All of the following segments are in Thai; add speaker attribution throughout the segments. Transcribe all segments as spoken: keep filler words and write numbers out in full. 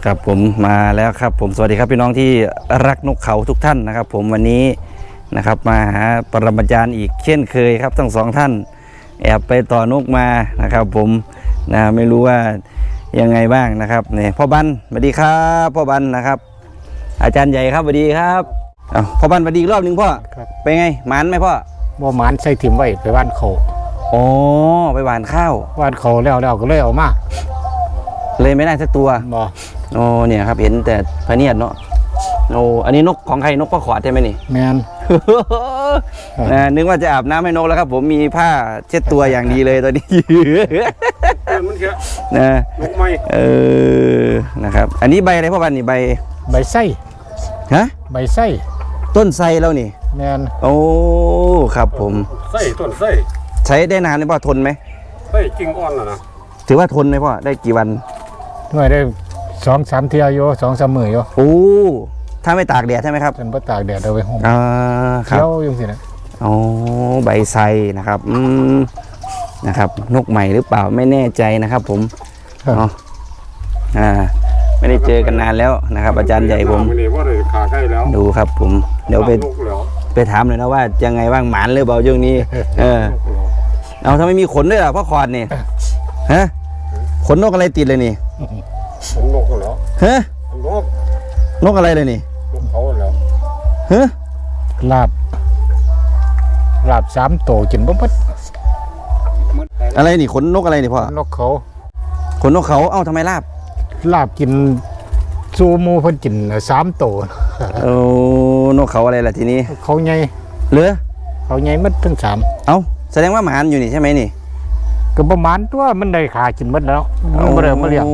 Speaker 1: ครับผมมาแล้วครับผมสวัสดีครับพี่น้องที่รักนกเขาทุกท่านนะครับผมวันนี้นะครับมาหาปรมาจารย์อีกเช่นเคยครับทั้งสองท่านแอบไปต่อนกมานะครับผมนะไม่รู้ว่ายังไงบ้างนะครับเนี่ยพ่อบันสวัสดีครับพ่อบันนะครับอาจารย์ใหญ่ครับสวัสดีครับอ้าวพ่อบันสวัสดีอีกรอบหนึ่งพ่อเป็นไงหมานไหมพ่อ
Speaker 2: บ่หมานใส่ถิ่มไว้ไปบ้านเขา
Speaker 1: อ๋อไปหวานข้าว
Speaker 2: บ้านเขาแล้วแล้วก็เลยเอามา
Speaker 1: เลยไม่ได้สักตัว
Speaker 2: บ่
Speaker 1: โอ้เนี่ยครับเห็นแต่พะเนียดเนาะโอ้อันนี้นกของใครนกป้าขอดใช่ไหมนี่
Speaker 2: แมน
Speaker 1: นะนึกว่าจะอาบน้ำให้นกแล้วครับผมมีผ้าเช็ดตัวอย่างดีเลยตอนนี้
Speaker 3: มันแค่
Speaker 1: นะ
Speaker 3: นกไม้
Speaker 1: เออนะครับอันนี้ใบอะไรพ่อบันนี่ใบ
Speaker 2: ใบไส้
Speaker 1: ฮะ
Speaker 2: ใบไส้
Speaker 1: ต้นไทรแล้วนี่
Speaker 2: แมน
Speaker 1: โอ้ครับผม
Speaker 3: ไส้ต้นไส้
Speaker 1: ใช้ได้นานไหมพ่อทนไหม
Speaker 3: ไส้กิ่งอ่อนน่ะนะ
Speaker 1: ถือว่าทนไหมพ่อได้กี่วัน
Speaker 2: หน่วยได้สองสามเที่ยวอยู่สองสามมื้ออยู่
Speaker 1: โอ้ถ้าไม่ตากแดดใช่ไหมครับ
Speaker 2: ฉันบ่ตากแดดเอาไว้ห่ม
Speaker 1: อ่าครับ
Speaker 2: เที่ยวอยู่สินะ
Speaker 1: โอ้ใบไทรนะครับอืมนะครับนกใหม่หรือเปล่าไม่แน่ใจนะครับผมเนาะอ่าไม่ได้เจอกันนานแล้วนะครับอาจารย์ใหญ่ผมดูครับผมเดี๋ยวไปไปถามเลยนะว่ายังไงบ้างหมานหรือเปล่าช่วงนี้เออเอาทำไมมีขนด้วยล่ะพ่อคอนนี่ฮะขนนกอะไรติดเลยนี่
Speaker 3: ขนนกแล้ว
Speaker 1: ฮะ
Speaker 3: นก
Speaker 1: นกอะไรเลยนี่
Speaker 3: นกเขาแล้ว
Speaker 1: ฮะ
Speaker 2: ลาบลาบสามโตกินบ่หมด
Speaker 1: อะไรนี่ขนนกอะไรนี่พ่อน
Speaker 2: กเขา
Speaker 1: ขนนกเขาเอ้าทำไมลาบ
Speaker 2: ลาบกินซูโม่เพิ่นกินสามโต
Speaker 1: โอ้นกเขาอะไรล่ะทีนี้
Speaker 2: เขาใหญ่
Speaker 1: เหลือ
Speaker 2: เขาใหญ่หมดทั้งสาม
Speaker 1: เอ้าแสดงว่าหมานอยู่นี่ใช่ไหมนี่
Speaker 2: ก็ประมาณตัวมันได้ขากินหมดแล้วมันบ่ได้มาเลี้ยง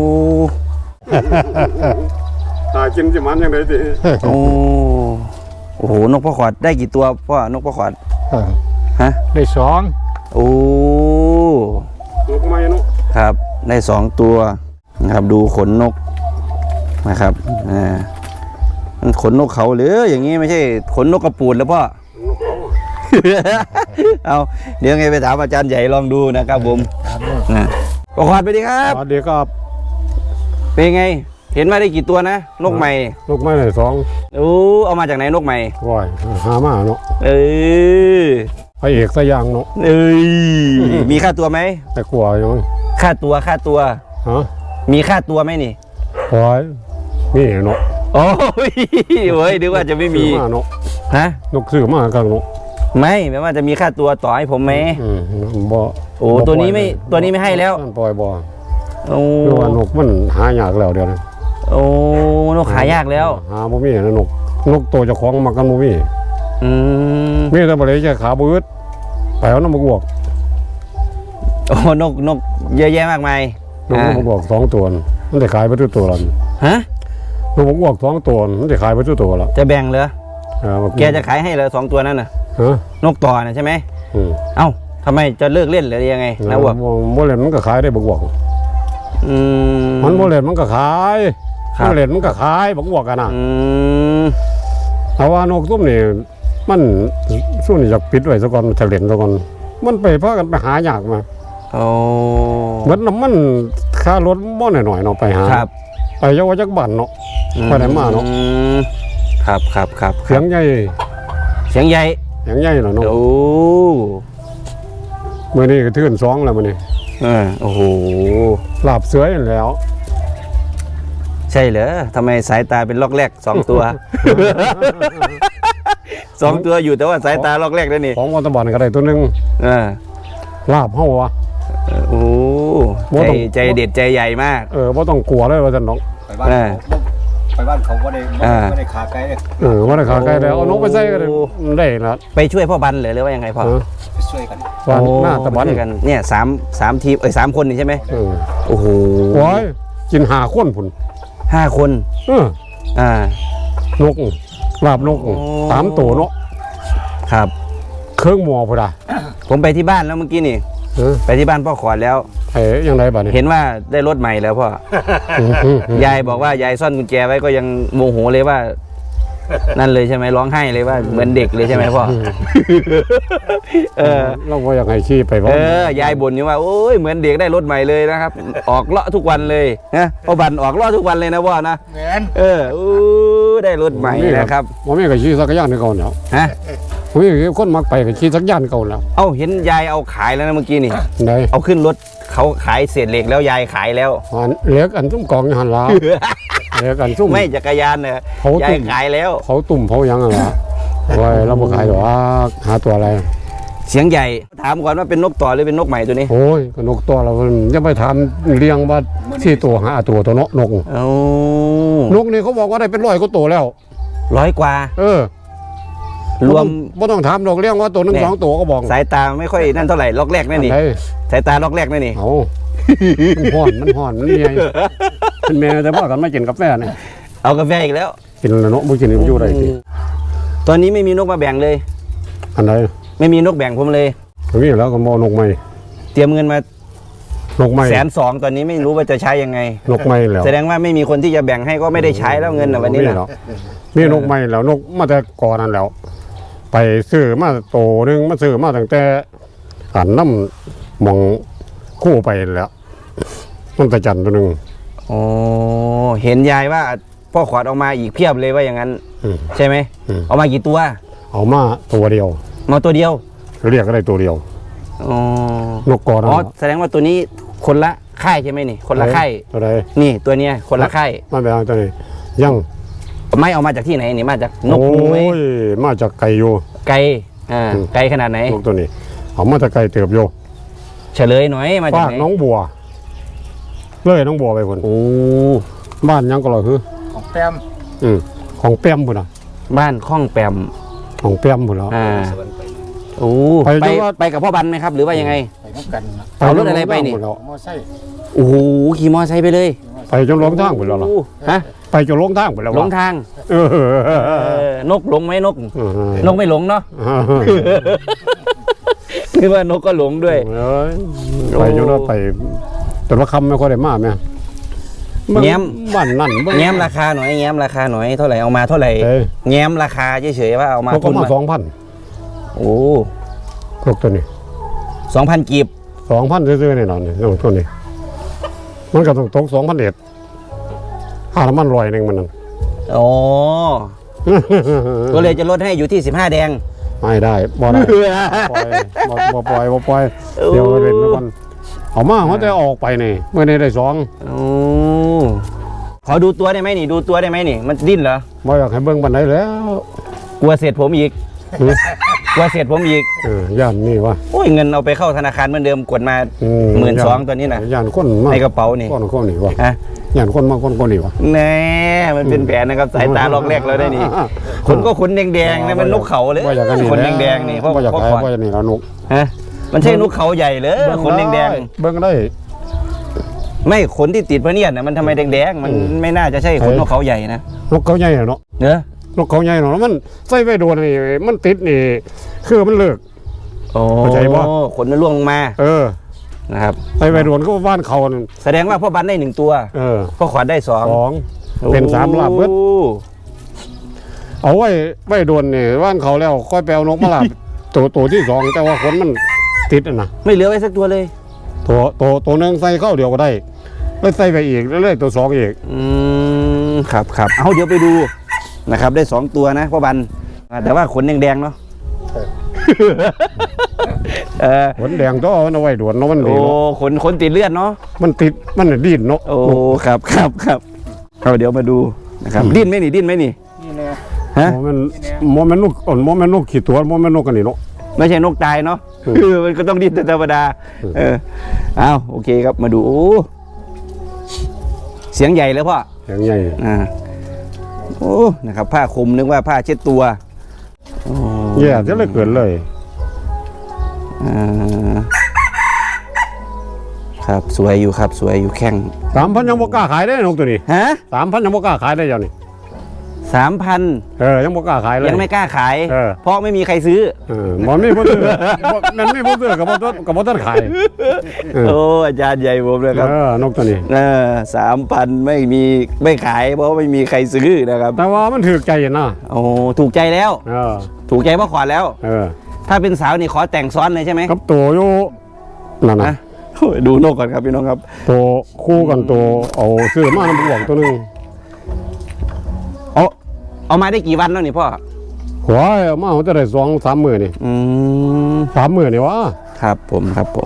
Speaker 3: หากินสิมันยังไงดิ
Speaker 1: โอ้โอ้โหนกพ่อขอดได้กี่ตัวพ่อนกพ่อขอดฮะ
Speaker 2: ได้สอง
Speaker 1: โอ้
Speaker 3: นกไม้นก
Speaker 1: ครับได้สองตัวนะครับดูขนนกนะครับอ่ามันขนนกเขาหรืออย่างนี้ไม่ใช่ขนนกกระปูดแล้วพ่อเอาเดี๋ยวไงไปถามอาจารย์ใหญ่ลองดูนะครับผมนะพ่อขอดไปดีครับ
Speaker 3: สวัสดีครับ
Speaker 1: เป็นไงเห็นมาได้กี่ตัวนะนกใหม่
Speaker 3: นกไม้ไหนสอง
Speaker 1: โอ้เอามาจากไหนนกใหม่
Speaker 3: ว้ายหามาเนาะ
Speaker 1: เออ
Speaker 3: พระเอกสยางเนาะ
Speaker 1: เอ้ยมีค่าตัวไหม
Speaker 3: แต่กลัวยัง
Speaker 1: ค่าตัวค่าตัว
Speaker 3: ฮะ
Speaker 1: มีค่าตัวไหมนี่
Speaker 3: โอ้ยมีเนาะ
Speaker 1: โอ้ยเว้ยดูว่าจะไม่มี
Speaker 3: เนาะ
Speaker 1: ฮะ
Speaker 3: นกซื้อมากันเนาะ
Speaker 1: ไม่แม้ว่าจะมีค่าตัวต่อให้ผมไหม
Speaker 3: อืมบ่
Speaker 1: โอ้ตัวนี้ไม่ตัวนี้ไม่ให้แล้ว
Speaker 3: ปล่อยบ่
Speaker 1: โอ้
Speaker 3: คือว่านกมันหายากแล้วเดี๋ยวนี้
Speaker 1: โอ้นกหายากแล้ว
Speaker 3: หาบ่มีนะนกนกตัวเจ้าของมากันบ่มี
Speaker 1: อืม
Speaker 3: มีแต่บ่ได้จะขาบืดไปเอาน้ำบวก
Speaker 1: โอ้นกนกเยอะแยะมากมาย
Speaker 3: นกน้ำบวกสองตัวมันได้ขายไปทุกตัวแล้ว
Speaker 1: ฮะ
Speaker 3: นกบวกสองตัวมันได้ขายไปทุกตัวแล้ว
Speaker 1: จะแบ่งเหรอแกจะขายให้เหรอสองตัวนั้นน่ะนกต่อน่ะใช่ไหมเอ้าทำไมจะเลิกเล่นหรือยังไงนะบวก
Speaker 3: โมเลนมันก็ขายได้บวก
Speaker 1: อืม
Speaker 3: มันโมเลนมันก็ขายโมเลนมันก็ขายบวกกันนะแต่ว่านกตุ้มนี่มันช่วงนี้อยากปิดไว้ซะก่อนจะเล่นซะก่อนมันไปเพราะกันไปหายากมา
Speaker 1: โอ้
Speaker 3: เหมือนน้ำมันค่ารถบ่หน่อยๆเนาะไปหาไปเยาวจักบั่นเนาะไปไหนมาเนาะ
Speaker 1: ครับครับครับ
Speaker 3: เสียงใหญ่
Speaker 1: เสียงใหญ่
Speaker 3: เสียงใหญ่เหรอเนาะ
Speaker 1: โอ้
Speaker 3: เมื่อนี้ก็ทื่นสองแล้วมื่อนี้
Speaker 1: เออโอ้โห
Speaker 3: หลับเสืออยู่แล้ว
Speaker 1: ใช่เหรอทำไมสายตาเป็นล็อกแรกสองตัวสองตัวอยู่แต่ว่าสายตาล็อกแรกนั่นนี่
Speaker 3: ของวัตบอลก็ได้ตัวนึง
Speaker 1: เออ
Speaker 3: ลาบเฮาวะ
Speaker 1: โอ้ใจใจเด็ดใจใหญ่มาก
Speaker 3: เออว่าต้องกลัวเลยว่าจะน้อง
Speaker 4: ไปบ้านไปบ้านเขาว่าได้ไม่ได้ขาไกลเลย
Speaker 3: เออว่าได้ขาไกลแล้วเอานกไปใส่กันได้นะ
Speaker 1: ไปช่วยพ่อบันหรือว่ายังไงพ่อ
Speaker 4: ไปช่วยกัน
Speaker 3: วันหน้าตะบัน
Speaker 1: กันเนี่ยสามสามทีมเอ้ยสามคนนี่ใช่ไหมโอ้โห
Speaker 3: โอ้ยกินหาคนผุน
Speaker 1: ห้าคน
Speaker 3: เออ
Speaker 1: อ่าน
Speaker 3: กลาบนกสามตัวเนาะ
Speaker 1: ครับ
Speaker 3: เครื่องหม้อพอดา
Speaker 1: ผมไปที่บ้านแล้วเมื่อกี้นี่ไปที่บ้านพ่อขอดแล้ว
Speaker 3: เอ๋ยังไงบ้าง
Speaker 1: เห็นว่าได้รถใหม่แล้วพ่อยายบอกว่ายายซ่อนกุญแจไว้ก็ยังโมโหเลยว่านั่นเลยใช่ไหมร้องไห้เลยว่าเหมือนเด็กเลยใช่ไหมพ่อเออ
Speaker 3: เราก็อยากให้ขี่ไปบ่
Speaker 1: เออยายบ่นอยู่ว่าโอ้ยเหมือนเด็กได้รถใหม่เลยนะครับ ออกเลาะทุกวันเลยนะพ่อบันออกเลาะทุกวันเลยนะพ่อนะ
Speaker 2: แมน
Speaker 1: เอออู้ได้รถใหม่นะครับ
Speaker 3: บ่มีก็ขี่จักรยานเก่าแล้ว
Speaker 1: ฮะ
Speaker 3: บ่มีคนมักไปก็ขี่จักรยานเก่าแล้ว
Speaker 1: เอ้าเห็นยายเอาขายแล้วนะเมื่อกี้นี่
Speaker 3: ได้
Speaker 1: เอาขึ้นรถเขาขายเศษเหล็กแล้วยายขายแล้ว
Speaker 3: อันเหล็กอันซุ่มกองอยู่หั่นล่ะเหล็กอันซุ่ม
Speaker 1: ไม่จักรยานเนี่ย
Speaker 3: เขา
Speaker 1: ยา
Speaker 3: ตุ่
Speaker 1: ย
Speaker 3: ม
Speaker 1: ขายแล้ว
Speaker 3: เขาตุ่มเขาหยังอ่ะล่ะโอ้ยเราบ่ขายดอกหาตัวอะไร
Speaker 1: เสียงใหญ่ถามก่อนว่าเป็นนกต่อหรือเป็นนกใหม่ตัวนี้
Speaker 3: โอ้ยก็นกตัวเราจะไปถามเลี้ยงว่าสี่ตัวหาตัวตัวเนาะนก
Speaker 1: โอ้
Speaker 3: นกนี่เขาบอกว่าได้เป็นร้อยกว่าตัวแล้ว
Speaker 1: ร้อยกว่า
Speaker 3: เออ
Speaker 1: รวม
Speaker 3: บ่ต้องถามดอกเลี้ยงว่าตัวหนึง
Speaker 1: เนี่ย
Speaker 3: สองตัวก็บอก
Speaker 1: สายตาไม่ค่อยนั่นเท่าไหร่ล็อกแรกนั่นนี่
Speaker 3: อัไห
Speaker 1: สายตาล็อกแรกนั่นนี่
Speaker 3: เอามันห่อน มันห่อน มันเมียเป็นเมียแต่ว่ากันไม่กินกาแฟเนี่ย
Speaker 1: เอากาแฟอีกแล้ว
Speaker 3: กินแล้วเนาะบ่กินนี่มันอยู่ได้สิ
Speaker 1: ตอนนี้ไม่มีนกมาแบ่งเลย
Speaker 3: อันใด
Speaker 1: ไม่มีนกแบ่งผมเลย
Speaker 3: มีแล้วก็บ่นกใหม่
Speaker 1: เตรียมเงินมาน
Speaker 3: กใหม่
Speaker 1: แสนสองตอนนี้ไม่รู้ว่าจะใช้ยังไง
Speaker 3: นกใหม่แล้ว
Speaker 1: แสดงว่าไม่มีคนที่จะแบ่งให้ก็ไม่ได้ใช้แล้วเงินนะวันนี้
Speaker 3: มี
Speaker 1: นะ
Speaker 3: แล้วมีนกใหม่แล้วนกมาแต่ก่อนนั้นแล้ว ไปซื้อมาโตหนึงมาซื้อมาตั้งแต่อันน้ำหมองคู่ไปแล้วมันตะจันตัวหนึง
Speaker 1: โอ้เห็นยายว่าพ่อขวัญออกมาอีกเพียบเลยว่าอย่างนั้น
Speaker 3: อืม
Speaker 1: ใช่ไหม
Speaker 3: อืม
Speaker 1: เอามากี่ตัว
Speaker 3: เอามาตัวเดียว
Speaker 1: มาตัวเดียว
Speaker 3: เรียกก็ได้ตัวเดียว
Speaker 1: อ๋อน
Speaker 3: กกอนะ
Speaker 1: อ๋อแสดงว่าตัวนี้คนละค่ายใช่ไหมนี่ คนละค่าย
Speaker 3: ตัวใด
Speaker 1: นี่ตัวเนี้ยคนละค่าย
Speaker 3: มาแบบตัวนี้ยัง
Speaker 1: ไม่เอามาจากที่ไหนนี่มาจากนก
Speaker 3: โอ้
Speaker 1: มูไหม
Speaker 3: ยมาจากไก่อยู่
Speaker 1: ไกลอ่า
Speaker 3: อืม
Speaker 1: ไกลขนาดไหน
Speaker 3: นกตัวนี้เอามาจากไก่เติบอยู่
Speaker 1: เฉลยหน่อยมาจาก
Speaker 3: บ้าน
Speaker 1: ไหน
Speaker 3: น้องบัวเลยน้องบัวไปคน
Speaker 1: โอ้
Speaker 3: บ้านยังก็เลยคือ
Speaker 2: ของแต้ม
Speaker 3: อืมของเปี้ยมพุ่นน่ะ
Speaker 1: บ้านข้องแปม
Speaker 3: ของเปี้ยมพุ่นแล้ว
Speaker 1: อ่าโอ้
Speaker 3: ไป
Speaker 1: ไป
Speaker 3: จังหวัด
Speaker 1: ไปกับพ่อบันไหมครับ หรือว่ายังไง
Speaker 2: ไปน้ำกันนะ
Speaker 1: เอารถอะไรไปนี่
Speaker 3: พุ่แล้ว
Speaker 2: มอไซค์
Speaker 1: โอ้โหขี่มอไซค์ไปเลย
Speaker 3: ไปจนหลงทางพุ่นแล้วล่ะ
Speaker 1: โอ้ฮะ
Speaker 3: ไปจนหลงทางพุ่นแล้ว
Speaker 1: หลง
Speaker 3: วะ
Speaker 1: ทาง
Speaker 3: เออ
Speaker 1: เออนกหลงไหมนก
Speaker 3: เออน
Speaker 1: กไม่หลงเนาะคือว่านกก็หลงด้วย
Speaker 3: เอ้ยไปจนว่าไปแต่ว่าคำไม่ค่อยได้มาแม่
Speaker 1: แง้ม
Speaker 3: บ้านนั่นบ้าน
Speaker 1: แง้มราคาหน่อยแง้มราคาหน่อยเท่าไหร่เอามาเท่าไหร่
Speaker 3: เอ้ย
Speaker 1: แง้มราคาเฉยๆว่าเอามา
Speaker 3: เขาก็
Speaker 1: ทุน
Speaker 3: มา
Speaker 1: มา
Speaker 3: สองพัน
Speaker 1: โอ้
Speaker 3: พวกตัวนี้
Speaker 1: สองพันกีบ
Speaker 3: สองพันซื้อๆแน่นอนนี่ตัวนี้ มันก็ต้องตกสองพันเอ็ดค่าน้ำมันลอยหนึ่งมันนั่น
Speaker 1: โอ้ก็เลยจะลดให้อยู่ที่สิบห้าแดง
Speaker 3: ไม่ได้บ่ได้ปล่อยบ่บ่ปล่อยบ่ปล่อย
Speaker 1: โอ้
Speaker 3: เดี๋ยวเล่นไปก่อนเอามาเขาจะออกไปนี่เมื่อนี้ได้สอง
Speaker 1: โอ้ขอดูตัวได้ไหมนี่ดูตัวได้ไหมนี่ มันดิ้นเหรอ
Speaker 3: บ่อยากให้เบิ่งบันไดแล้ว
Speaker 1: กลัวเสร็จผมอีก
Speaker 3: อืม
Speaker 1: กลัวเสร็จผมอีก
Speaker 3: เออย่านนี่วะ
Speaker 1: โอ้ยเงินเอาไปเข้าธนาคารเหมือนเดิมกดมา
Speaker 3: อื
Speaker 1: หมื่นสองตัวนี้นะ
Speaker 3: ย่านคนมาก
Speaker 1: ในกระเป๋านี่
Speaker 3: คนคนนี่วะ
Speaker 1: ฮะ
Speaker 3: ย่านคนมากคนคนนี่วะ
Speaker 1: แน่มันเป็นแผนนะครับสายตาลอกแรกเราได้นี่ขนก็ขนแดงๆนะมันนกเขาเลย
Speaker 3: บ่อยากกันนี่
Speaker 1: ขนแดงๆนี่เพราะ
Speaker 3: บ่อยาก
Speaker 1: เพราะ
Speaker 3: ขาย
Speaker 1: ขวาน
Speaker 3: บ่อยากนี่แล้วนก
Speaker 1: ฮะมันใช่นกเขาใหญ่เลยขนแดง
Speaker 3: เบิ่งได้
Speaker 1: ๆไม่ขนที่ติดพระเนียดนะมันทำไมแดงๆมัน
Speaker 3: อืม
Speaker 1: ไม่น่าจะใช่ขนนกเขาใหญ่นะ
Speaker 3: นกเขาใหญ่อะเนาะ
Speaker 1: เนอะ
Speaker 3: นกเขาใหญ่เนาะแล้วมันใส่ไว้โดนนี่มันติดนี่คือมันเลิก
Speaker 1: โอ้
Speaker 3: เข้าใจปะ
Speaker 1: ขนมันร่วงลงมา
Speaker 3: เออ
Speaker 1: นะครับ
Speaker 3: ใส่ไว้โดนก็บ้านเขานั่น
Speaker 1: แสดงว่าพ่อบันได้หนึ่งตัว
Speaker 3: เออ
Speaker 1: พ่อขวัญได้สอง
Speaker 3: สองเป็นสามลาบเบิด
Speaker 1: โอ้
Speaker 3: เอาไว้ไว้โดนนี่บ้านเขาแล้วค่อยไปเอานกมาลาบ ตัวตัวที่สองแต่ว่าขนมันติดอะนะ
Speaker 1: ไม่เหลือไว้สักตัวเลย
Speaker 3: ตัวตัวตัวหนึงใส่เข้าเดียวก็ได้แล้วใส่ไปอีกแล้วเลยตัวสองอีก
Speaker 1: อืมครับครับเอาเดี๋ยวไปดูนะครับ ได้สองตัวนะพ่อบันอ่าแต่ว่าขนแดงๆเนาะเออ
Speaker 3: ขนแดงตัวมันเอาไว้โดนเนาะมันดี
Speaker 1: โอ้
Speaker 3: เนาะ
Speaker 1: ขนขนติดเลือดเนาะ
Speaker 3: มันติดมันน่ะดิ้นเนาะ
Speaker 1: โอ้ครับครับครับเอาเดี๋ยวมาดูนะครับดิ้นไหมนี่ดิ้นไหมนี่
Speaker 2: นี่แน่
Speaker 1: ฮะ
Speaker 3: โมมันโมมันนกอ่อนโมมันนกขี้ตัวโมมันนกกันนี่เนาะ
Speaker 1: ไม่ใช่นกตายเนาะ
Speaker 3: อืม
Speaker 1: คือมันก็ต้องดิ้นเป็นธรรมดา เออเอาโอเคครับมาดูโอ้เสียงใหญ่เลยพ่อ
Speaker 3: อย่างใหญ่
Speaker 1: อ่าโอ้นะครับ ผ้าคลุมนึกว่าผ้าเช็ดตัวโอ้
Speaker 3: แย่จะเลยเกิดเลย
Speaker 1: อ่าครับสวยอยู่ครับสวยอยู่แข้ง
Speaker 3: สามพันยังบ่กล้าขายได้นกตัวนี้
Speaker 1: ฮะ
Speaker 3: สามพันยังบ่กล้าขายได้เจ้านี่
Speaker 1: สามพัน
Speaker 3: เออยังบ่กล้าขายเลย
Speaker 1: ยังไม่กล้าขาย
Speaker 3: เออ
Speaker 1: เพราะไม่มีใครซื้อ
Speaker 3: เออมันไม่พูดเถื่อมันไม่พูดเถื่อกับบ่ต้นกับบ่ต้นขายเออ
Speaker 1: โอ้อาจารย์ใหญ่ผมเลยครับ
Speaker 3: เออนกตัวนี้
Speaker 1: เออสามพันไม่มีไม่ขายเพราะไม่มีใครซื้อนะครับ
Speaker 3: แต่ว่ามันถือใจนะ
Speaker 1: โอ้ถูกใจแล้ว
Speaker 3: เออ
Speaker 1: ถูกใจพ่อขวัญแล้ว
Speaker 3: เออ
Speaker 1: ถ้าเป็นสาวนี่ขอแต่งซ้อนเลยใช่ไหม
Speaker 3: กับตัวอยู่นั่น
Speaker 1: นะ
Speaker 3: นะ
Speaker 1: โอ้ยดูนกก่อนครับพี่น้องครับ
Speaker 3: ตัวคู่กันตัวเอาซื้อมาน้ำบวกตัวหนึง
Speaker 1: เอาเอามาได้กี่วันแล้วนี่พ่อ
Speaker 3: หัวเอามาเขาจะได้สองสามหมื่นนี่
Speaker 1: อืม
Speaker 3: สามหมื่นนี่วะ
Speaker 1: ครับผมครับผม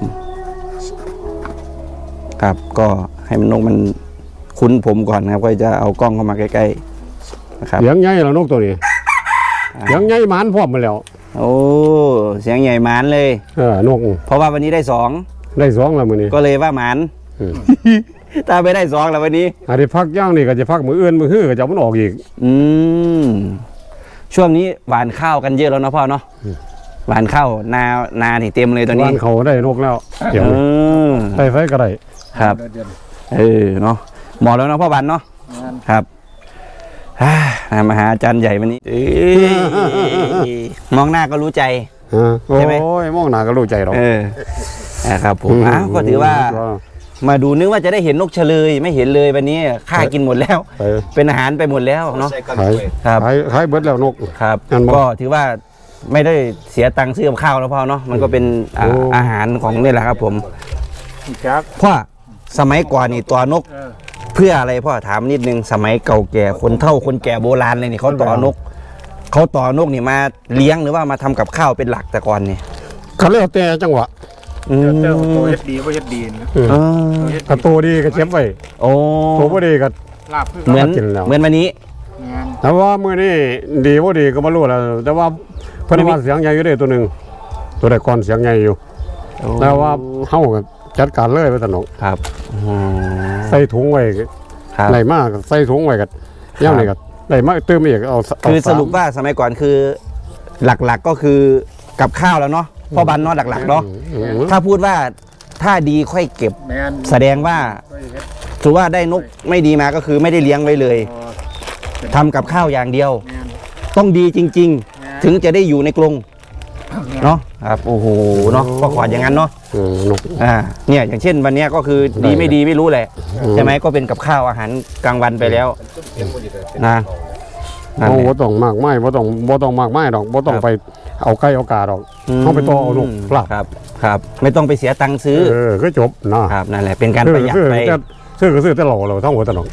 Speaker 1: ครับก็ให้มันนกมันคุ้นผมก่อนครับก็จะเอากล้องเข้ามาใกล้ๆนะครับ
Speaker 3: เสียงใหญ่แล้วนกตัวนี้เสียงใหญ่หมานพร้อมมาแล้ว
Speaker 1: โอ้เสียงใหญ่หมานเลย
Speaker 3: เออนก
Speaker 1: เพราะว่าวันนี้ได้สอง
Speaker 3: ได้สองแล้วมือนี้
Speaker 1: ก็เลยว่าหมาน
Speaker 3: อืม
Speaker 1: ถ้าไม่ได้สองแล้ววันนี้
Speaker 3: อันนี้พักย่างนี่ก็จะพักมืออื่นมือฮื้อก็จะเอามันออกอีก
Speaker 1: อืมช่วงนี้หวานข้าวกันเยอะแล้วเนาะพ่อเนาะหวานข้าวนานาที่เต็มเลยตอนนี้
Speaker 3: บ้านเขาได้นกแล้วเดี๋ยว
Speaker 1: เออ
Speaker 3: ได้ไฟก็ได้
Speaker 1: ครับ เออเนาะเหมาะแล้วเนาะพ่อบันเนาะครับอ่ามาหาอาจารย์ใหญ่วันนี้เอ้ยมองหน้าก็รู้ใจ
Speaker 3: ฮะโอ้
Speaker 1: ใช่ไหม
Speaker 3: ยมองหน้าก็รู้ใจหรอก
Speaker 1: เออนะครับผมอ้าวก็ถือว่า มาดูนึกว่าจะได้เห็นนกเฉลยไม่เห็นเลยวันนี้ข้ากินหมดแล้ว
Speaker 3: ไป
Speaker 1: เป็นอาหารไปหมดแล้วเนาะ
Speaker 4: ใส่กัน
Speaker 3: ขาย
Speaker 4: ด้วย
Speaker 1: ครับ
Speaker 3: ขายขายเบิดแล้วนก
Speaker 1: ครับ
Speaker 3: งั้นบอก
Speaker 1: ก็ถือว่าไม่ได้เสียตังค์ซื้อกับข้าวแล้วพ่อเนาะมันก็เป็นอ่า
Speaker 3: โอ้
Speaker 1: อาหารของนี่แหละครับผม
Speaker 2: จัก
Speaker 1: พ่อสมัยก่อนนี่ตัวนก เพื่ออะไรพ่อถามนิดนึงสมัยเก่าแก่คนเฒ่าคนแก่โบราณเลยนี่เขาต่อนกเขาต่อนกนี่มาเลี้ยงหรือว่ามาทำกับข้าวเป็นหลักแต่ก่อนนี่
Speaker 3: เขาเรียกแต่จังหวะ
Speaker 1: อืม
Speaker 2: เจ้าตัวเฮ็ดดีบ่เฮ็ดดีนะ
Speaker 3: เออ
Speaker 1: เออ
Speaker 3: ถ้าโตดีก็เก็บไว้
Speaker 1: โอ้
Speaker 3: โตบ่ดีก็
Speaker 2: ลาบคือ
Speaker 1: เหมือน
Speaker 3: กินแล้ว
Speaker 1: เหมือนวันนี้
Speaker 2: งาน
Speaker 3: แต่ว่ามื้อนี้ดีบ่ดีก็บ่รู้แล้วแต่ว่าเพิ่นว่าเสียงใหญ่อยู่เด้ตัวหนึงตัวแต่ก่อนเสียงใหญ่อยู่ แต่ว่าเฮาก็จัดการเลยไปสนุก
Speaker 1: ครับอืม
Speaker 3: ใส่ถุงไว้
Speaker 1: ครับ
Speaker 3: ได้มากใส่ถุงไว้ก็ย่างนี่ก็ได้มาเติมอีกเอาเา
Speaker 1: คือส
Speaker 3: าม
Speaker 1: รุปว่าสมัยก่อนคือ หลักๆก็คือกับข้าวแล้วเนาะพ่อบันเนาะหลักๆเนาะ
Speaker 3: อืม
Speaker 1: ถ้าพูดว่าถ้าดีค่อยเก็บ
Speaker 2: แม่น
Speaker 1: แสดงว่าถือว่าได้นกไม่ดีมาก็คือไม่ได้เลี้ยงไว้เลยทำกับข้าวอย่างเดียว
Speaker 2: แม่น
Speaker 1: ต้องดีจริง ๆ ถึงจะได้อยู่ในกรง
Speaker 2: แม่น
Speaker 1: เนาะครับโอ้โหเนาะก็ขออย่างนั้นเนาะ
Speaker 3: อืมนก
Speaker 1: อ่าเนี่ยอย่างเช่นวันเนี้ยก็คือดีไม่ดีไม่รู้แหละ
Speaker 3: อืม
Speaker 1: ใช่ไหมก็เป็นกับข้าวอาหารกลางวันไปแล้วนะนั่น
Speaker 3: เอา
Speaker 1: แห
Speaker 3: บ่
Speaker 1: ละ
Speaker 3: ต้องมากไม้บ่ต้องบ่ต้องมากไม้ดอกบ่ต้องไปเอาไก่เอากาดอกเอาไปต่อเอานกปลา
Speaker 1: ครับครับไม่ต้องไปเสียตังค์ซื้อ
Speaker 3: เออก็จบนะครับ
Speaker 1: นั่นแหละเป็นการประหยัด
Speaker 3: ซื้อ
Speaker 1: ไป
Speaker 3: แต่ซื้อก็ซื้อแต่หล่อเราทั้งหัวตลอด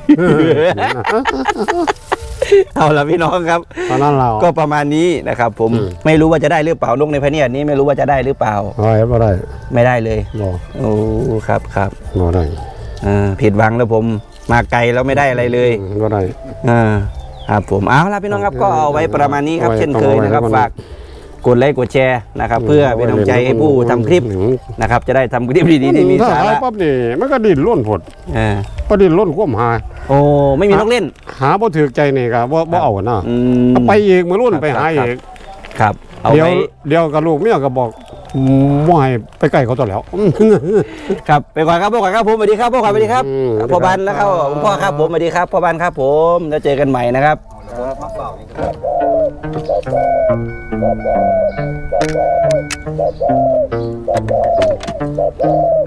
Speaker 1: เอาละพี่น้องครับ
Speaker 3: ตอนนั้นเรา
Speaker 1: ก็ประมาณนี้นะครับ ผม
Speaker 3: อืม
Speaker 1: ไม่รู้ว่าจะได้หรือเปล่านกในพะเนียดนี้ไม่รู้ว่าจะได้หรือเปล่า
Speaker 3: อะไรบ่ได้
Speaker 1: ไม่ได้เลย
Speaker 3: บ่
Speaker 1: โอ้ครับครับ
Speaker 3: บ่ได้
Speaker 1: อ่าผิดหวังแล้วผมมาไกลแล้วไม่ได้อะไรเลย
Speaker 3: บ่ได้
Speaker 1: อ่าครับผมเอาละพี่น้องครับก็เอาไว้ประมาณนี้ครับ
Speaker 3: เอาไว้
Speaker 1: เช่นเคยนะครับ
Speaker 3: เอาไว้
Speaker 1: ฝากกดไลค์กดแชร์นะครับ เพื่อเป็นกำลังใจให้ผู้ทำคลิปนะครับ จะได้ทำคลิปดีๆที่มี
Speaker 3: ถ้า
Speaker 1: สา
Speaker 3: หาย
Speaker 1: ระ
Speaker 3: ปั๊บนี่มันก็ดิ้นร่นผด
Speaker 1: อ่า
Speaker 3: ก็ดิ้นร่นควมหา
Speaker 1: โอ้ไม่มีนกเล่น
Speaker 3: หาบ่ถูกใจนี่ก็บ่บ่เอานะ
Speaker 1: อืม
Speaker 3: เอาไปอีกมื้อรุ่น
Speaker 1: ครับ
Speaker 3: ไปหา
Speaker 1: ครับ
Speaker 3: อีก
Speaker 1: ครับเอา
Speaker 3: เดี๋ยว
Speaker 1: ไว้
Speaker 3: เดี๋ยวกับลูกเมียก็บอกบ่ให้ไปใกล้เขาตัวแล้ว
Speaker 1: ครับไปก่อนครับพ่อก่อนครับผมสวัสดีครับพ่อก่อนสวัสดีครับ
Speaker 3: อืม
Speaker 1: พ่อบันแล้วครับผมพ่อครับผมสวัสดีครับพ่อบันครับผมแล้วเจอกันใหม่นะครับ
Speaker 4: มาเปล่าอย่างนี้